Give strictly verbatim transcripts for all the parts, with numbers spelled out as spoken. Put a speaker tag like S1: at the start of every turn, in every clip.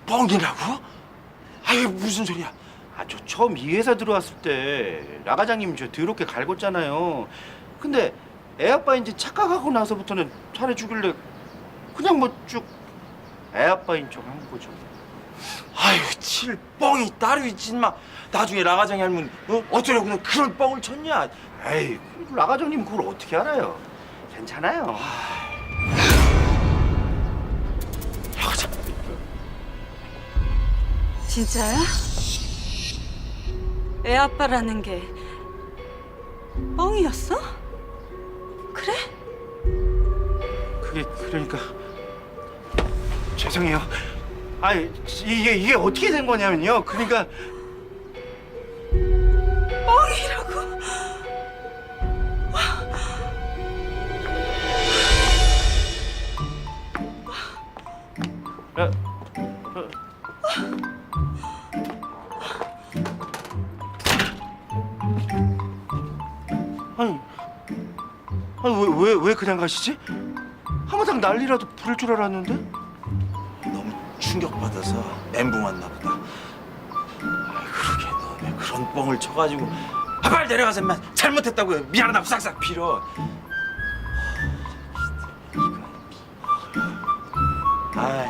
S1: 뻥이라고? 아이 무슨 소리야?
S2: 아, 저 처음 이 회사 들어왔을 때 라 과장님 저 더럽게 갈궜잖아요. 근데 애 아빠인지 착각하고 나서부터는 잘해주길래 그냥 뭐 쭉 애 아빠인 척 한 거죠.
S1: 아유 칠 뻥이 따로 있지 마. 나중에 라 과장이 알면 어? 어쩌려고 그런 뻥을 쳤냐?
S2: 에이, 라 과장님 그걸 어떻게 알아요? 괜찮아요.
S1: 라 과장.
S3: 진짜야? 애 아빠라는 게 뻥이었어? 그래?
S2: 그게 그러니까 죄송해요. 아이 이게 이게 어떻게 된 거냐면요. 그러니까
S3: 뻥이라고?
S2: 라, 아니, 아니 왜 왜 왜 그냥 가시지? 하마당 난리라도 부를 줄 알았는데?
S1: 너무 충격받아서 멘붕 왔나 보다. 아 그러게 너 왜 그런 뻥을 쳐가지고 아, 빨리 내려가서 인마 잘못했다고 미안하다고 싹싹 빌어. 아이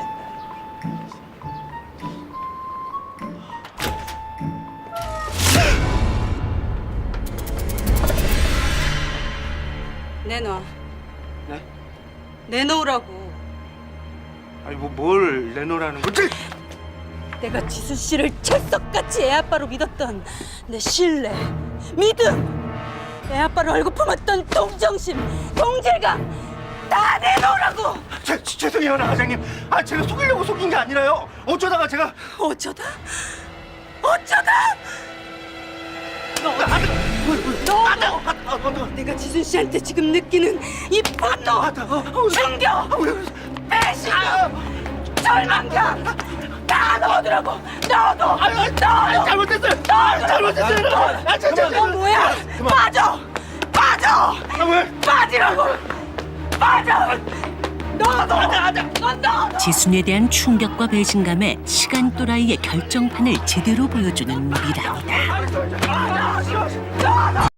S3: 내놔.
S2: 네?
S3: 내놓으라고.
S2: 아니 뭐 뭘 내놓으라는 거지?
S3: 내가 지수 씨를 찰석같이 애 아빠로 믿었던 내 신뢰, 믿음, 애 아빠를 얼고 품었던 동정심, 동질감 다 내놓으라고.
S2: 제, 죄송해요, 나 과장님. 아 제가 속이려고 속인 게 아니라요. 어쩌다가 제가
S3: 어쩌다? 어쩌다? 너,
S2: 아,
S3: 너,
S2: 아, 아, 아, 아,
S3: 내가 지순 씨한테 지금 느끼는 이 분노,
S2: 아, 아,
S3: 충격, 배신감, 절망감 다 넣어두라고. 넣어둬. 넣어둬.
S2: 잘못했어요. 잘못했어요. 아, 진짜.
S3: 너 뭐야? 빠져. 빠져.
S2: 아, 왜?
S3: 빠지라고. 빠져. 넣어둬. 넌 넣어둬.
S4: 지순에 대한 충격과 배신감에 시간 또라이의 결정판을 제대로 보여주는 미란이다.
S2: 아,